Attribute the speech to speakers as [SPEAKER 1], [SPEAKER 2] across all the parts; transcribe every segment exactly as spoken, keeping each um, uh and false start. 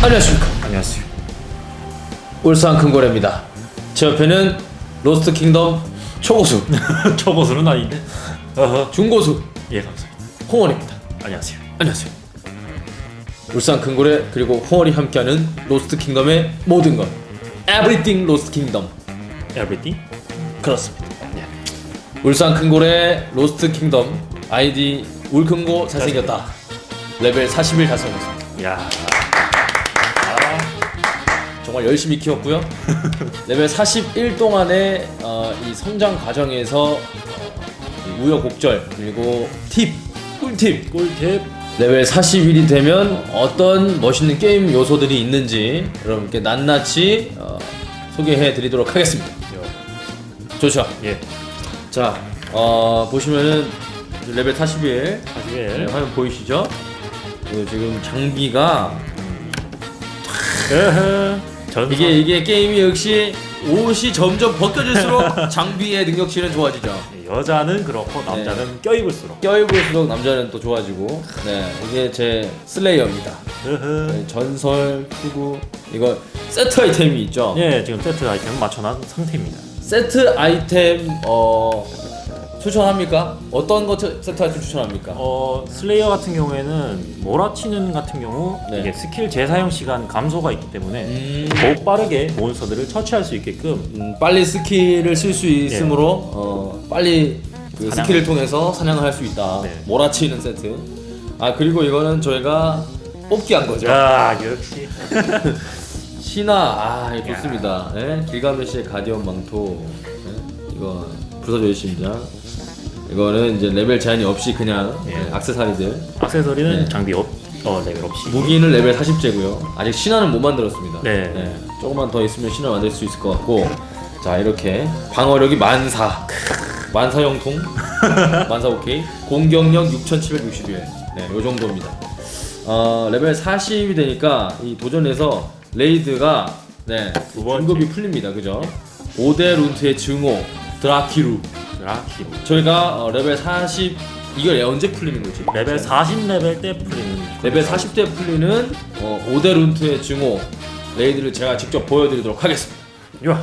[SPEAKER 1] 안녕하십니까.
[SPEAKER 2] 안녕하세요.
[SPEAKER 1] 울산 큰고래입니다. 제 옆에는 로스트 킹덤 초고수,
[SPEAKER 2] 초고수는 아닌데. 어허.
[SPEAKER 1] 중고수
[SPEAKER 2] 예, 감사합니다.
[SPEAKER 1] 홍원입니다.
[SPEAKER 2] 안녕하세요.
[SPEAKER 1] 안녕하세요. 울산 큰고래 그리고 홍원이 함께하는 로스트 킹덤의 모든 것, Everything 로스트 킹덤.
[SPEAKER 2] Everything?
[SPEAKER 1] 그렇습니다. 울산 큰고래 로스트 킹덤 아이디 울큰고 잘생겼다. 레벨 사십일 달성했습니다.
[SPEAKER 2] 야.
[SPEAKER 1] 정말 열심히 키웠고요. 레벨 사십일 동안의 어, 이 성장 과정에서 어, 이 우여곡절 그리고 팁, 꿀팁,
[SPEAKER 2] 꿀팁.
[SPEAKER 1] 레벨 사십일이 되면 어떤 멋있는 게임 요소들이 있는지 여러분께 낱낱이 어, 소개해드리도록 하겠습니다. 좋죠.
[SPEAKER 2] 예.
[SPEAKER 1] 자, 어, 보시면은 레벨 사십일,
[SPEAKER 2] 사십일.
[SPEAKER 1] 네, 화면 보이시죠? 그 지금 장비가
[SPEAKER 2] 에헤. 전선.
[SPEAKER 1] 이게 이게 게임이 역시 옷이 점점 벗겨질수록 장비의 능력치는 좋아지죠.
[SPEAKER 2] 여자는 그렇고 남자는 껴입을수록.
[SPEAKER 1] 껴입을수록 남자는 또 좋아지고. 네, 이게 제 슬레이어입니다.
[SPEAKER 2] 으흐.
[SPEAKER 1] 네, 전설, 투구 이거 세트 아이템이 있죠.
[SPEAKER 2] 예, 지금 세트 아이템 맞춰놓은 상태입니다.
[SPEAKER 1] 세트 아이템 어 추천합니까? 어떤 거 세- 세트 아이템 추천합니까?
[SPEAKER 2] 어, 슬레이어 같은 경우에는 몰아치는 같은 경우
[SPEAKER 1] 네.
[SPEAKER 2] 이게 스킬 재사용 시간 감소가 있기 때문에
[SPEAKER 1] 음,
[SPEAKER 2] 더욱 빠르게 몬스터들을 처치할 수 있게끔
[SPEAKER 1] 음, 빨리 스킬을 쓸 수 있으므로 어, 빨리 그
[SPEAKER 2] 사냥.
[SPEAKER 1] 스킬을 통해서 사냥을 할 수 있다.
[SPEAKER 2] 네.
[SPEAKER 1] 몰아치는 세트. 아 그리고 이거는 저희가 뽑기 한 거죠.
[SPEAKER 2] 야, 역시.
[SPEAKER 1] 신화 아 이거 좋습니다. 예? 길가메시의 가디언 망토. 예? 이거 불사조의 심장. 이거는 이제 레벨 제한이 없이 그냥
[SPEAKER 2] 예.
[SPEAKER 1] 예, 액세서리들.
[SPEAKER 2] 액세서리는
[SPEAKER 1] 네.
[SPEAKER 2] 장비 없, 어, 레벨 없이.
[SPEAKER 1] 무기는 레벨 사십째고요. 아직 신화는 못 만들었습니다.
[SPEAKER 2] 네.
[SPEAKER 1] 조금만 더 있으면 신화 만들 수 있을 것 같고. 자 이렇게 방어력이 만사, 만사 형통, 만사 오케이. 공격력 육천칠백육십일. 네, 요 정도입니다. 어 레벨 사십이 되니까 이 도전에서 레이드가 네
[SPEAKER 2] 두 번째.
[SPEAKER 1] 등급이 풀립니다. 그죠? 오 대 룬트의 증오, 드라키루.
[SPEAKER 2] 드라키로.
[SPEAKER 1] 저희가 어, 레벨 사십 이걸 언제 풀리는 거지?
[SPEAKER 2] 레벨 사십 레벨 때 풀리는.
[SPEAKER 1] 레벨 사십 대 풀리는 어, 오 대 룬트의 증오 레이드를 제가 직접 보여드리도록 하겠습니다.
[SPEAKER 2] 요.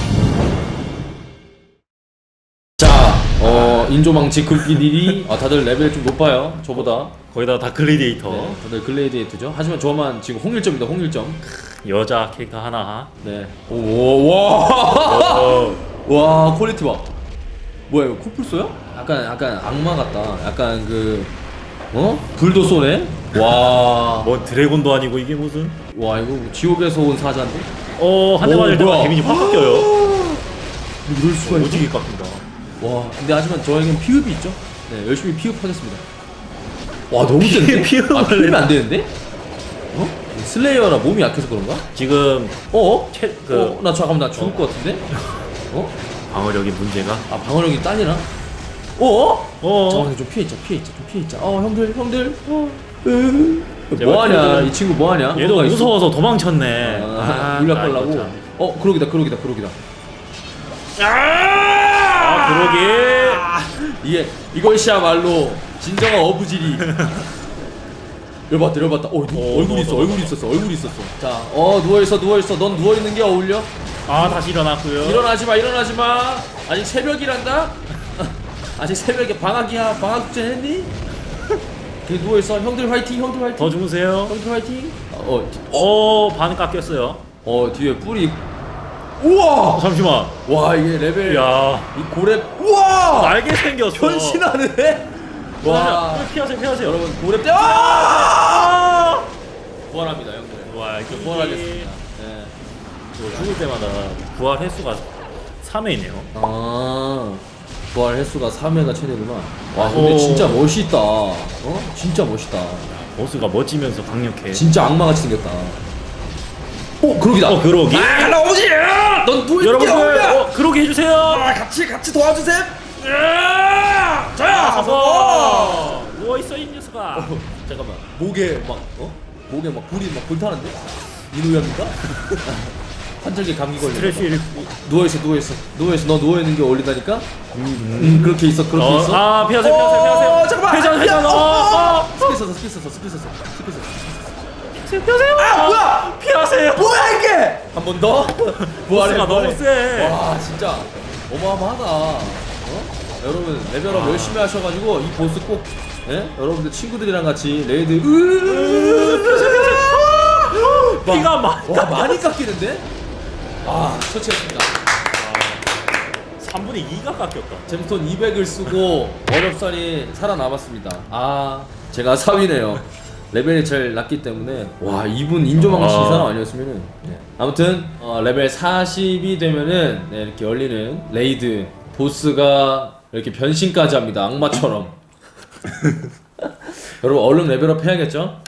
[SPEAKER 1] 자, 어, 인조망치 금기들이 아, 다들 레벨이 좀 높아요. 저보다.
[SPEAKER 2] 거기다 다 글래디에이터.
[SPEAKER 1] 네, 다들 글레이디에이트죠. 하지만 저만 지금 홍일점입니다. 홍일점.
[SPEAKER 2] 여자 캐릭터 하나.
[SPEAKER 1] 네. 오, 와,
[SPEAKER 2] 어,
[SPEAKER 1] 와, 퀄리티 봐. 뭐야 이거 코뿔소야? 약간 약간 악마 같다. 약간 그 어? 불도 쏘네. 와,
[SPEAKER 2] 뭐 드래곤도 아니고 이게 무슨?
[SPEAKER 1] 와 이거 지옥에서 온 사자인데?
[SPEAKER 2] 어, 한 대
[SPEAKER 1] 오,
[SPEAKER 2] 맞을 때마다
[SPEAKER 1] 뭐야?
[SPEAKER 2] 데미지 확 깎여요.
[SPEAKER 1] 이럴 수가 있지?
[SPEAKER 2] 오지게 깎인다.
[SPEAKER 1] 와, 근데 하지만 저에겐 피읍이 있죠. 네, 열심히 피읍하겠습니다. 와, 너무 센데?
[SPEAKER 2] 피읍을
[SPEAKER 1] 아, 피읍이
[SPEAKER 2] 해.
[SPEAKER 1] 안 되는데? 어? 슬레이어라 몸이 약해서 그런가?
[SPEAKER 2] 지금
[SPEAKER 1] 어?
[SPEAKER 2] 채,
[SPEAKER 1] 그,
[SPEAKER 2] 그
[SPEAKER 1] 어? 나 잠깐만 나 죽을 것 같은데? 어?
[SPEAKER 2] 방어력이 문제가.
[SPEAKER 1] 아, 방어력이 딸리나? 어?
[SPEAKER 2] 어.
[SPEAKER 1] 잠깐만 좀 피해 있자, 피해 있자, 좀 피해 있자. 어, 형들, 형들. 어. 으.
[SPEAKER 2] 제발
[SPEAKER 1] 뭐 하냐?
[SPEAKER 2] 형들.
[SPEAKER 1] 이 친구 뭐 하냐?
[SPEAKER 2] 얘도
[SPEAKER 1] 뭐가 있어?
[SPEAKER 2] 무서워서 도망쳤네.
[SPEAKER 1] 아, 물약
[SPEAKER 2] 나 이거
[SPEAKER 1] 걸라고.
[SPEAKER 2] 참.
[SPEAKER 1] 어, 그러기다, 그러기다, 그러기다.
[SPEAKER 2] 아, 그러게.
[SPEAKER 1] 이게 이것이야말로 진정한 어부지리. 열받다 열받다. 어, 누,
[SPEAKER 2] 어,
[SPEAKER 1] 얼굴
[SPEAKER 2] 너,
[SPEAKER 1] 있어
[SPEAKER 2] 너,
[SPEAKER 1] 얼굴
[SPEAKER 2] 너.
[SPEAKER 1] 있었어 얼굴 있었어. 자, 어 누워 있어 누워 있어. 넌 누워 있는 게 어울려?
[SPEAKER 2] 아, 다시 일어났고요.
[SPEAKER 1] 일어나지 마 일어나지 마. 아직 새벽이란다. 아직 새벽에 방학이야. 방학 축제 했니? 그 누워 있어. 형들 화이팅 형들 화이팅.
[SPEAKER 2] 더 주무세요.
[SPEAKER 1] 형들 화이팅. 어,
[SPEAKER 2] 어, 반 깎였어요.
[SPEAKER 1] 어 뒤에 뿔이. 우와.
[SPEAKER 2] 어, 잠시만.
[SPEAKER 1] 와 이게 레벨.
[SPEAKER 2] 야,
[SPEAKER 1] 이 고렙. 우와.
[SPEAKER 2] 날개 생겼어.
[SPEAKER 1] 변신하네. 와.
[SPEAKER 2] 와, 피하세요, 피하세요.
[SPEAKER 1] 여러분 고렙 때. 아! 부활합니다 형들.
[SPEAKER 2] 와, 이거
[SPEAKER 1] 부활하겠습니다. 네.
[SPEAKER 2] 이거 죽을 때마다 부활 횟수가 삼 회이네요.
[SPEAKER 1] 아 부활 횟수가 삼 회가 최대구나. 와 근데
[SPEAKER 2] 오.
[SPEAKER 1] 진짜 멋있다. 어? 진짜 멋있다.
[SPEAKER 2] 보스가 멋지면서 강력해.
[SPEAKER 1] 진짜 악마같이 생겼다. 오 그러기다.
[SPEAKER 2] 어, 그러기.
[SPEAKER 1] 아 나오지. 넌 누구
[SPEAKER 2] 여러분들, 어, 그러게 해주세요.
[SPEAKER 1] 아, 같이 같이 도와주세요. 아,
[SPEAKER 2] 자, 가서 누워 있어 이 녀석아.
[SPEAKER 1] 어, 잠깐만 목에 막 어? 목에 막 불이 막 불타는데? 이누야입니까? 환절기 감기 걸려.
[SPEAKER 2] 스트레스 일.
[SPEAKER 1] 누워 있어 누워 있어 누워 있어. 너 누워 있는 게 어울린다니까? 음, 음 그렇게 있어 그렇게
[SPEAKER 2] 어,
[SPEAKER 1] 있어.
[SPEAKER 2] 아, 피하세요, 피하세요, 피하세요.
[SPEAKER 1] 어, 잠깐만.
[SPEAKER 2] 회전, 회전.
[SPEAKER 1] 야,
[SPEAKER 2] 어, 어.
[SPEAKER 1] 스킬 썼어 스킬 썼어 스킬 썼어 스킬 썼어.
[SPEAKER 2] 피하세요.
[SPEAKER 1] 아 뭐야?
[SPEAKER 2] 피하세요.
[SPEAKER 1] 뭐야 이게? 한 번 더. 부활해,
[SPEAKER 2] 보스가 너무
[SPEAKER 1] 부활해.
[SPEAKER 2] 세.
[SPEAKER 1] 와 진짜 어마어마하다. 어? 여러분 레벨업
[SPEAKER 2] 아.
[SPEAKER 1] 열심히 하셔가지고 이 보스 꼭 예? 여러분들 친구들이랑 같이 레이드 으
[SPEAKER 2] 피가 많이
[SPEAKER 1] 와 많이 깎이는데? 아 처치했습니다.
[SPEAKER 2] 삼분의 이가 깎였다.
[SPEAKER 1] 잼스톤 이백을 쓰고 어렵사리 살아남았습니다. 아 제가 사 위네요. 레벨이 제일 낮기 때문에 와 이분 인조망치 이
[SPEAKER 2] 아.
[SPEAKER 1] 사람 아니었으면은 네. 아무튼 어, 레벨 사십이 되면은 네, 이렇게 열리는 레이드 보스가 이렇게 변신까지 합니다. 악마처럼. 여러분 얼른 레벨업 해야겠죠?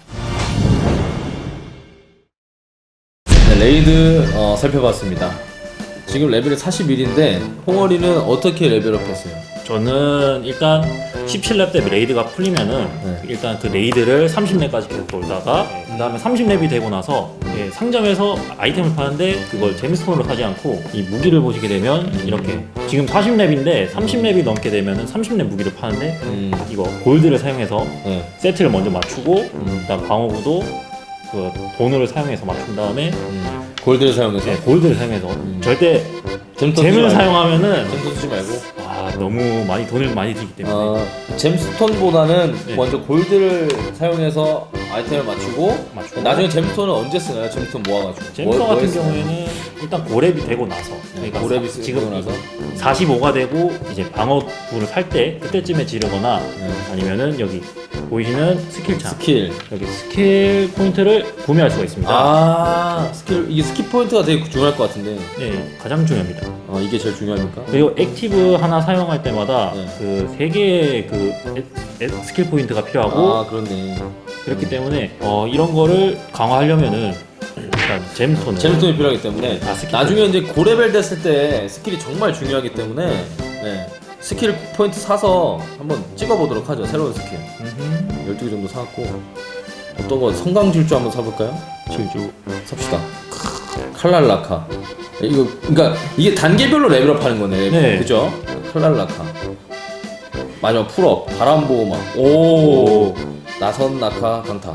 [SPEAKER 1] 네, 레이드 어, 살펴봤습니다. 지금 레벨이 사십일인데 홍어리는 어떻게 레벨업 했어요?
[SPEAKER 2] 저는 일단 십칠 렙 때 레이드가 풀리면은
[SPEAKER 1] 네.
[SPEAKER 2] 일단 그 레이드를 삼십 렙까지 계속 돌다가 그 다음에 삼십 렙이 되고 나서 예, 상점에서 아이템을 파는데 그걸 잼스톤으로 사지 않고 이 무기를 보시게 되면 이렇게 지금 사십 렙인데 삼십 렙이 넘게 되면은 삼십 렙 무기를 파는데
[SPEAKER 1] 음,
[SPEAKER 2] 이거 골드를 사용해서
[SPEAKER 1] 네.
[SPEAKER 2] 세트를 먼저 맞추고
[SPEAKER 1] 음.
[SPEAKER 2] 그다음 방어구도 그 돈을 사용해서 맞춘 다음에
[SPEAKER 1] 음, 골드를 사용해서
[SPEAKER 2] 네, 골드를 사용해서
[SPEAKER 1] 음.
[SPEAKER 2] 절대
[SPEAKER 1] 잼스톤
[SPEAKER 2] 잼을
[SPEAKER 1] 쓰지 말고.
[SPEAKER 2] 사용하면은
[SPEAKER 1] 잼스톤 쓰지 말고
[SPEAKER 2] 아 너무 많이 돈을 많이 들기 때문에
[SPEAKER 1] 어, 잼스톤보다는
[SPEAKER 2] 네.
[SPEAKER 1] 먼저 골드를 사용해서 아이템을 맞추고,
[SPEAKER 2] 맞추고.
[SPEAKER 1] 나중에 잼스톤은 언제 쓰나요? 잼스톤 모아가지고
[SPEAKER 2] 잼서
[SPEAKER 1] 뭐- 뭐
[SPEAKER 2] 같은
[SPEAKER 1] 했어요?
[SPEAKER 2] 경우에는 일단 고렙이 되고 나서
[SPEAKER 1] 네,
[SPEAKER 2] 그러니까
[SPEAKER 1] 고렙이
[SPEAKER 2] 사-
[SPEAKER 1] 쓰고
[SPEAKER 2] 지금
[SPEAKER 1] 나서
[SPEAKER 2] 사십오가 되고 이제 방어구를 살 때 그때쯤에 지르거나
[SPEAKER 1] 네.
[SPEAKER 2] 아니면은 여기 보이시는 스킬창
[SPEAKER 1] 스킬
[SPEAKER 2] 여기 스킬 포인트를 구매할 수가 있습니다.
[SPEAKER 1] 아 스킬 이게 스킬 포인트가 되게 중요할 것 같은데
[SPEAKER 2] 네, 가장 중요합니다.
[SPEAKER 1] 어, 이게 제일 중요합니까?
[SPEAKER 2] 그리고 액티브 하나 사용할 때마다
[SPEAKER 1] 네.
[SPEAKER 2] 그 세 개의 그 에- 에- 스킬 포인트가 필요하고
[SPEAKER 1] 아 그렇네.
[SPEAKER 2] 그렇기 때문에 어, 이런 거를 강화하려면은 일단 잼스톤을
[SPEAKER 1] 잼스톤이 필요하기 때문에
[SPEAKER 2] 아, 스킬
[SPEAKER 1] 나중에 이제 고레벨 됐을 때 스킬이 정말 중요하기 때문에 네. 스킬 포인트 사서 한번 찍어보도록 하죠. 새로운 스킬
[SPEAKER 2] 음흠.
[SPEAKER 1] 열두 개 정도 사갖고 어떤 거 성강질주 한번 사볼까요?
[SPEAKER 2] 질주
[SPEAKER 1] 삽시다. 칼날라카. 이거 그러니까 이게 단계별로 레벨업 하는 거네.
[SPEAKER 2] 네.
[SPEAKER 1] 그죠? 칼날라카. 마지막 풀업. 바람보호막. 오. 나선 낙하 강타.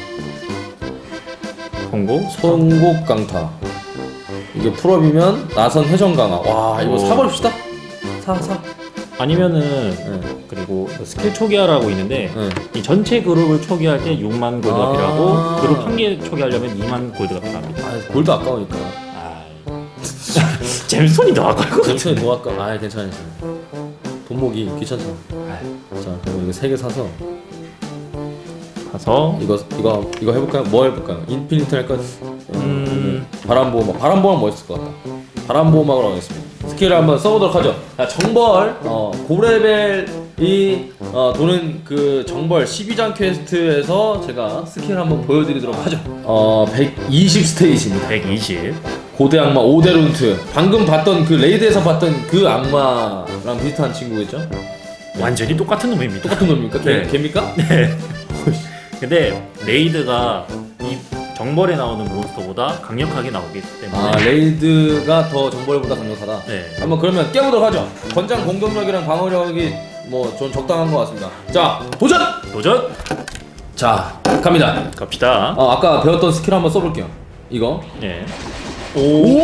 [SPEAKER 2] 성공
[SPEAKER 1] 송곡 강타. 이게 풀업이면 나선 회전 강화. 와 이거
[SPEAKER 2] 오.
[SPEAKER 1] 사버립시다. 사 사.
[SPEAKER 2] 아니면은
[SPEAKER 1] 네.
[SPEAKER 2] 그리고 스킬 초기화라고 있는데
[SPEAKER 1] 네.
[SPEAKER 2] 이 전체 그룹을 초기화할 때 육만 골드가
[SPEAKER 1] 아.
[SPEAKER 2] 필요하고 그룹 한 개 초기화하려면 이만 골드가 필요합니다.
[SPEAKER 1] 아 골드 아까우니까.
[SPEAKER 2] 아, 잼스톤이 더 아까워.
[SPEAKER 1] 잼스톤이 더 아까. 아 괜찮아요. 돈 모기 귀찮잖아.
[SPEAKER 2] 아,
[SPEAKER 1] 자 그럼 이거 세 개 사서
[SPEAKER 2] 가서
[SPEAKER 1] 이거 이거 이거 해볼까요? 뭐 해볼까요? 인피니트 할까?
[SPEAKER 2] 음.
[SPEAKER 1] 바람보호막. 바람보호막 멋있을 것 같다. 바람보호막으로 하겠습니다. 스킬을 한번 써보도록 하죠. 자, 정벌 어, 고레벨이 어, 도는 그 정벌 십이 장 퀘스트에서 제가 스킬 한번 보여드리도록 하죠. 어, 백이십 스테이지입니다.
[SPEAKER 2] 백이십
[SPEAKER 1] 고대 악마 오데룬트. 방금 봤던 그 레이드에서 봤던 그 악마랑 비슷한 친구겠죠?
[SPEAKER 2] 완전히 똑같은 놈입니다.
[SPEAKER 1] 똑같은 놈입니까? 개,
[SPEAKER 2] 네.
[SPEAKER 1] 개입니까?
[SPEAKER 2] 네. 근데 레이드가 이 정벌에 나오는 몬스터보다 강력하게 나오기 때문에
[SPEAKER 1] 아 레이드가 더 정벌보다 강력하다.
[SPEAKER 2] 네.
[SPEAKER 1] 한번 그러면 깨보도록 하죠. 권장 공격력이랑 방어력이 뭐 전 적당한 것 같습니다. 자 도전!
[SPEAKER 2] 도전
[SPEAKER 1] 자 갑니다.
[SPEAKER 2] 갑시다.
[SPEAKER 1] 어, 아까 배웠던 스킬 한번 써볼게요. 이거.
[SPEAKER 2] 네.
[SPEAKER 1] 오!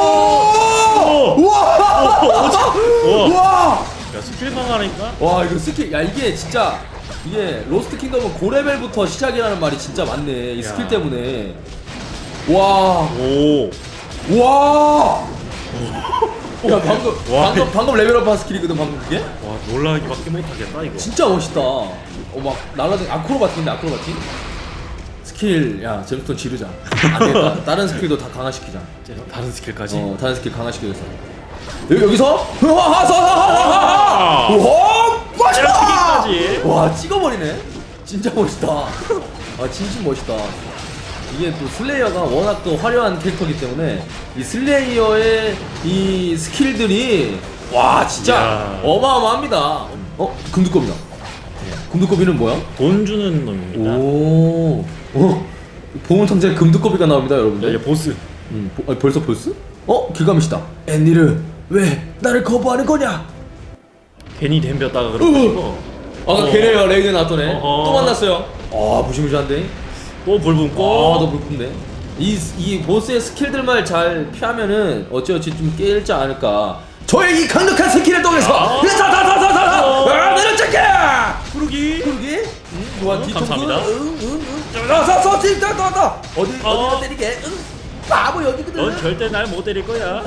[SPEAKER 1] 우와! 우와!
[SPEAKER 2] 야 스킬 강화하니까
[SPEAKER 1] 와 이거 스킬 야 이게 진짜 이게 로스트 킹덤은 고레벨부터 시작이라는 말이 진짜 많네. 이 스킬
[SPEAKER 2] 야.
[SPEAKER 1] 때문에. 와!
[SPEAKER 2] 오
[SPEAKER 1] 와! 야 방금
[SPEAKER 2] 와.
[SPEAKER 1] 방금 방금 레벨업한 스킬이거든 방금 그게?
[SPEAKER 2] 와 놀라기밖에 못하겠다 이거.
[SPEAKER 1] 진짜 멋있다. 어막 날라다니 아크로바틱인데 아크로바틱? 스킬 야 잼스톤 지르자. 안 되겠다. 다른 스킬도 다 강화시키자.
[SPEAKER 2] 다른 스킬까지.
[SPEAKER 1] 어 다른 스킬 강화시키겠어. 여기 여기서 하하하하하하. 와 멋있다.
[SPEAKER 2] 찌르기까지.
[SPEAKER 1] 와 찍어버리네. 진짜 멋있다. 아 진심 멋있다. 이게 또 슬레이어가 워낙 또 화려한 캐릭터이기 때문에 이 슬레이어의 이 스킬들이 와 진짜
[SPEAKER 2] 야.
[SPEAKER 1] 어마어마합니다. 어 금두껍이다. 금두꺼비는 뭐야?
[SPEAKER 2] 돈 주는 놈입니다.
[SPEAKER 1] 오, 어, 보물상자에 금두꺼비가 나옵니다, 여러분들.
[SPEAKER 2] 이제 보스.
[SPEAKER 1] 음, 보, 아니, 벌써 보스? 어, 길가미시다. 앤니르, 왜 나를 거부하는 거냐?
[SPEAKER 2] 괜히 덤볐다가 그러고.
[SPEAKER 1] 아까
[SPEAKER 2] 어.
[SPEAKER 1] 걔네가 레이드 나왔더네.
[SPEAKER 2] 어허.
[SPEAKER 1] 또 만났어요. 아, 무시무시한데.
[SPEAKER 2] 또불
[SPEAKER 1] 아,
[SPEAKER 2] 뿜고.
[SPEAKER 1] 너무 불픈데. 이, 이 보스의 스킬들만 잘 피하면은 어찌어찌 좀 깨지 않을까. 저의 이 강력한 스킬을 통해서
[SPEAKER 2] 아.
[SPEAKER 1] 다다다다다다
[SPEAKER 2] 어.
[SPEAKER 1] 내려찍게
[SPEAKER 2] 구르기.
[SPEAKER 1] 그러기 응? 누가
[SPEAKER 2] 응,
[SPEAKER 1] 뒤통수
[SPEAKER 2] 감사합니다.
[SPEAKER 1] 응응응 나서서 진짜 나나 어디
[SPEAKER 2] 어.
[SPEAKER 1] 어디다 때리게 응 바보 여기거든
[SPEAKER 2] 넌 절대 날 못 때릴 거야.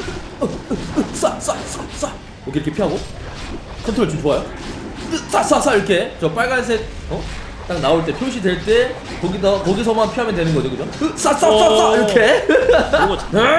[SPEAKER 1] 쏴쏴쏴쏴 이렇게 이렇게 피하고 컨트롤 좀 좋아요 쏴쏴쏴 이렇게 저 빨간색 어? 딱 나올 때 표시될 때 거기다 거기서만 피하면 되는 거죠 그죠? 쏴쏴쏴쏴
[SPEAKER 2] 어.
[SPEAKER 1] 이렇게
[SPEAKER 2] 그리고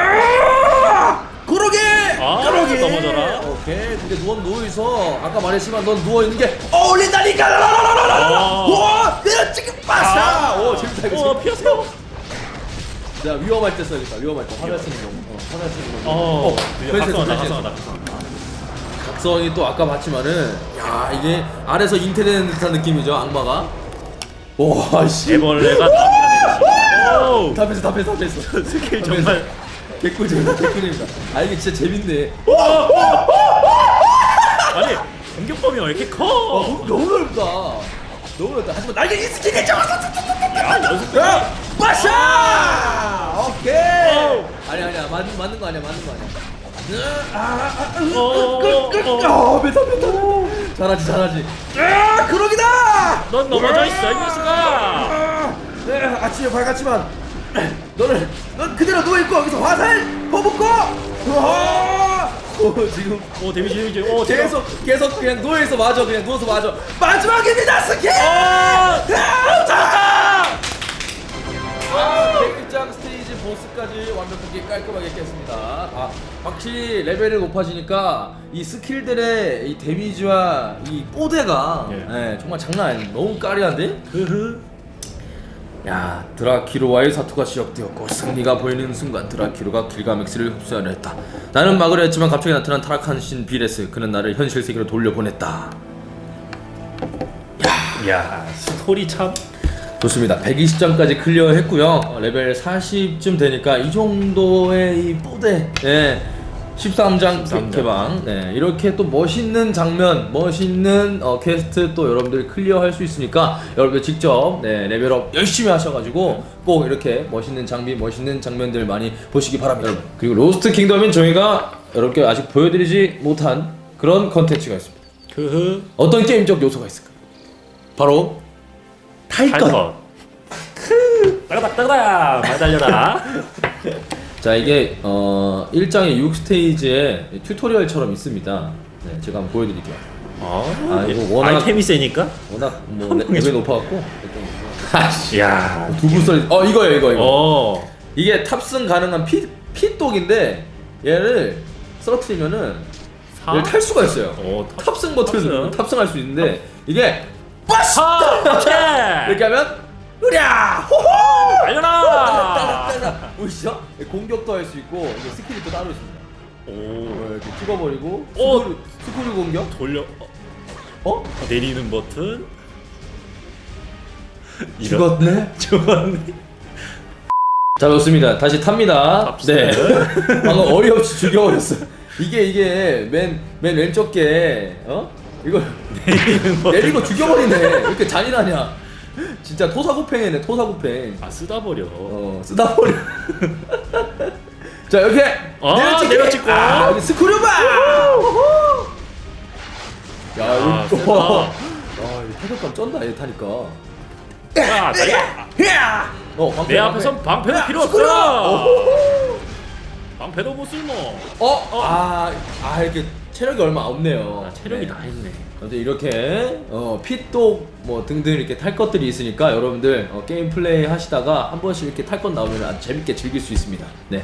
[SPEAKER 1] 그러게
[SPEAKER 2] 아,
[SPEAKER 1] 그러게
[SPEAKER 2] 넘어져라.
[SPEAKER 1] 오케이 근데 넌 누워있어 아까 말했지만 넌 누워있는 게 어울린다니까
[SPEAKER 2] 아.
[SPEAKER 1] 와 내가 지금 빠샤 오 재밌다 이거
[SPEAKER 2] 어, 피하세요.
[SPEAKER 1] 내가 위험할 때 써야겠다 위험할 때 화살 쓰는 거 어, 화살 쓰는 거
[SPEAKER 2] 어,
[SPEAKER 1] 변신했어,
[SPEAKER 2] 각성하다,
[SPEAKER 1] 변신했어.
[SPEAKER 2] 각성하다.
[SPEAKER 1] 각성이 또 아까 봤지만은 야 이게 아래서 잉태되는 듯한 느낌이죠 악마가 와씨
[SPEAKER 2] 애벌레가 나비가 되듯이.
[SPEAKER 1] 다 뺐어 다 뺐어 다 뺐어
[SPEAKER 2] 스킬 정말.
[SPEAKER 1] 개꿀잼이다 개꿀잼이다 아 이게 진짜 재밌네
[SPEAKER 2] 아니 공격범위 왜 이렇게
[SPEAKER 1] 와,
[SPEAKER 2] 커?
[SPEAKER 1] 너무 너무 넓다 너무 넓다 하지만 날개 이 스킬이 잡았어
[SPEAKER 2] 야 연습.
[SPEAKER 1] 야 빠샤 오케이
[SPEAKER 2] 어우.
[SPEAKER 1] 아니 아니야 맞는 맞는 거 아니야 맞는 거 아니야
[SPEAKER 2] 어,
[SPEAKER 1] 아 메타 메타 잘하지 잘하지 아 그러기다
[SPEAKER 2] 넌 넘어져 있어 이 녀석아.
[SPEAKER 1] 아, 네, 아침에 밝았지만 너는 넌 그대로 누워 있고 여기서 화살 퍼붓고 와 어, 지금
[SPEAKER 2] 오 데미지 데미지. 오 제가-
[SPEAKER 1] 계속 계속 그냥 누워 있어 맞아 그냥 누워서 맞아 마지막입니다 스킬
[SPEAKER 2] 아,
[SPEAKER 1] 잡았다 아, 백일장 스테이지 보스까지 완벽하게 깔끔하게 깼습니다. 아, 확실히 레벨이 높아지니까 이 스킬들의 이 데미지와 이 뽀대가
[SPEAKER 2] 예.
[SPEAKER 1] 예, 정말 장난 아니에요. 너무 까리한데?
[SPEAKER 2] 흐흐.
[SPEAKER 1] 야, 드라키로와의 사투가 시작되었고 승리가 보이는 순간 드라키로가 길가맥스를 흡수하려 했다. 나는 막으려 했지만 갑자기 나타난 타락한 신 비레스 그는 나를 현실 세계로 돌려보냈다.
[SPEAKER 2] 야 스토리 참.
[SPEAKER 1] 좋습니다. 백이십 점까지 클리어했고요. 어, 레벨 사십쯤 되니까 이 정도의 이 뽀대, 예, 십삼 장
[SPEAKER 2] 십삼 장.
[SPEAKER 1] 개방, 네, 이렇게 또 멋있는 장면, 멋있는 어, 퀘스트 또 여러분들 클리어할 수 있으니까 여러분들 직접 네, 레벨업 열심히 하셔가지고 꼭 이렇게 멋있는 장비, 멋있는 장면들 많이 보시기 바랍니다. 여러분. 그리고 로스트 킹덤은 저희가 여러분께 아직 보여드리지 못한 그런 컨텐츠가 있습니다.
[SPEAKER 2] 흐흐.
[SPEAKER 1] 어떤 게임적 요소가 있을까요? 바로 탈것.
[SPEAKER 2] 탈것. 크. 따가닥 따가닥 말 달려라.
[SPEAKER 1] 자 이게 어 일 장의 육 스테이지에 튜토리얼처럼 있습니다. 네, 제가 한번 보여드릴게요.
[SPEAKER 2] 어.
[SPEAKER 1] 아, 이거 워낙-
[SPEAKER 2] 아이템이 세니까.
[SPEAKER 1] 워낙 뭐 레- 레벨이 높아갖고
[SPEAKER 2] 야.
[SPEAKER 1] 두부 썰. 어 이거예요 이거 이거.
[SPEAKER 2] 어.
[SPEAKER 1] 이게 탑승 가능한 피 피독인데 얘를 쓰러뜨리면은
[SPEAKER 2] 사?
[SPEAKER 1] 얘를 탈 수가 있어요.
[SPEAKER 2] 어, 탑-
[SPEAKER 1] 탑승 버튼을 누르면
[SPEAKER 2] 탑승.
[SPEAKER 1] 탑승할 수 있는데 이게 빠시
[SPEAKER 2] 하. 오케이.
[SPEAKER 1] 이렇게 하면 으랴 호호
[SPEAKER 2] 달려라.
[SPEAKER 1] 보이시죠? 공격도 할 수 있고 이게 스킬이 또 따로 있습니다.
[SPEAKER 2] 오.
[SPEAKER 1] 어, 이렇게 찍어버리고
[SPEAKER 2] 오.
[SPEAKER 1] 스크류, 스크류 공격
[SPEAKER 2] 돌려. 어?
[SPEAKER 1] 어?
[SPEAKER 2] 내리는 버튼.
[SPEAKER 1] 죽었네?
[SPEAKER 2] 죽었네.
[SPEAKER 1] 자 좋습니다 다시 탑니다
[SPEAKER 2] 탑승.
[SPEAKER 1] 네 방금 어이없이 죽여버렸어 이게 이게 맨, 맨 왼쪽 게 어? 이거
[SPEAKER 2] 내리는 버튼.
[SPEAKER 1] 내리고 죽여버리네 왜 이렇게 잔인하냐 진짜 토사구팽이네 토사구팽
[SPEAKER 2] 아 쓰다 버려.
[SPEAKER 1] 어 쓰다 버려 자 이렇게
[SPEAKER 2] 아,
[SPEAKER 1] 내려찍기.
[SPEAKER 2] 내려찍고.
[SPEAKER 1] 아, 여기 스크류바 야
[SPEAKER 2] 아,
[SPEAKER 1] 이거
[SPEAKER 2] 세다.
[SPEAKER 1] 와 이거 타격감 쩐다 얘 타니까
[SPEAKER 2] 야, 달려.
[SPEAKER 1] 야! 어, 방패,
[SPEAKER 2] 내
[SPEAKER 1] 방패.
[SPEAKER 2] 앞에선 방패도
[SPEAKER 1] 야,
[SPEAKER 2] 필요
[SPEAKER 1] 스크류!
[SPEAKER 2] 없어.
[SPEAKER 1] 오호호!
[SPEAKER 2] 방패도 못 쓸모.
[SPEAKER 1] 어? 아, 아 이렇게 체력이 얼마 없네요.
[SPEAKER 2] 아, 체력이
[SPEAKER 1] 네.
[SPEAKER 2] 다 했네.
[SPEAKER 1] 아무튼 이렇게 어, 핏독 뭐 등등 이렇게 탈 것들이 있으니까 여러분들 어, 게임 플레이 하시다가 한 번씩 이렇게 탈 것 나오면 아주 재밌게 즐길 수 있습니다. 네.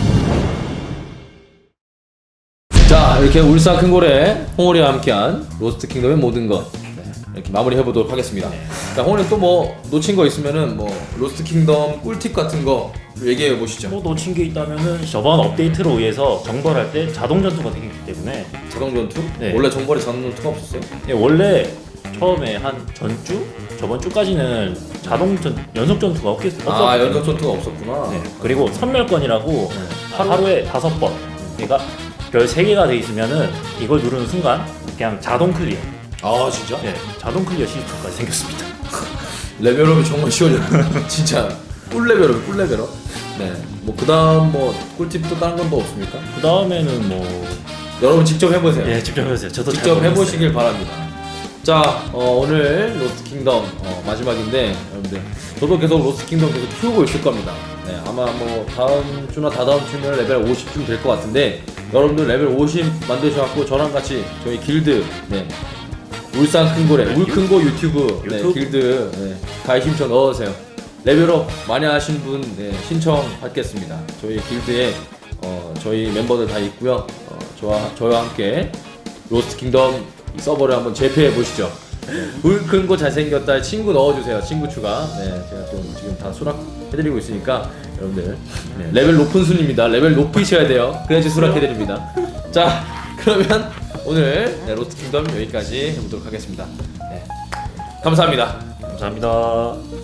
[SPEAKER 1] 자 이렇게 울산 큰고래 홍오리와 함께한 로스트 킹덤의 모든 것 네, 이렇게 마무리 해보도록 하겠습니다. 자 홍오리 또 뭐 놓친 거 있으면은 뭐 로스트 킹덤 꿀팁 같은 거 얘기해 보시죠.
[SPEAKER 2] 뭐 놓친 게 있다면은 저번 업데이트로 의해서 정벌할 때 자동 전투가 되기 때문에
[SPEAKER 1] 자동 전투?
[SPEAKER 2] 네.
[SPEAKER 1] 원래 정벌에 자동 전투가 없었어요?
[SPEAKER 2] 예, 원래 처음에 한 전주 저번 주까지는 자동 전 연속 전투가 없겠 없었거든요.
[SPEAKER 1] 아 연속 전투가 없었구나.
[SPEAKER 2] 네. 그리고 선멸권이라고 하- 하루에 다섯 번. 그러니까 별 세 개가 돼 있으면은 이걸 누르는 순간 그냥 자동 클리어.
[SPEAKER 1] 아 진짜?
[SPEAKER 2] 네, 자동 클리어 시스템까지 생겼습니다.
[SPEAKER 1] 레벨업이 정말 쉬워요. 진짜 꿀 레벨업, 꿀 레벨업. 네, 뭐 그다음 뭐 꿀팁도 다른 건 뭐 없습니까?
[SPEAKER 2] 그 다음에는 뭐
[SPEAKER 1] 여러분 직접 해보세요.
[SPEAKER 2] 예, 직접 해보세요. 저도 잘
[SPEAKER 1] 직접
[SPEAKER 2] 모르겠어요.
[SPEAKER 1] 해보시길 바랍니다. 자, 어, 오늘 로스트 킹덤 어, 마지막인데 여러분들 저도 계속 로스트 킹덤 계속 키우고 있을 겁니다. 네, 아마 뭐 다음 주나 다다음 주면 레벨 오십쯤 될 것 같은데 여러분들 레벨 오십 만드셔갖고 저랑 같이 저희 길드 네, 울산 큰고래 울큰고 유튜브, 네,
[SPEAKER 2] 유튜브.
[SPEAKER 1] 길드 네, 가입 신청 넣어주세요. 레벨업 많이 하신 분 네, 신청 받겠습니다. 저희 길드에 어, 저희 멤버들 다 있고요. 어, 저와 저와 함께 로스트 킹덤 이 서버를 한번 재패해 보시죠. 네, 울큰고 잘생겼다 친구 넣어주세요. 친구 추가. 네, 제가 또 지금 다 수락해드리고 있으니까 여러분들 네, 레벨 높은 순입니다. 레벨 높이셔야 돼요. 그래야지 수락해드립니다. 자, 그러면 오늘 네, 로스트 킹덤 여기까지 해보도록 하겠습니다. 네, 감사합니다.
[SPEAKER 2] 감사합니다.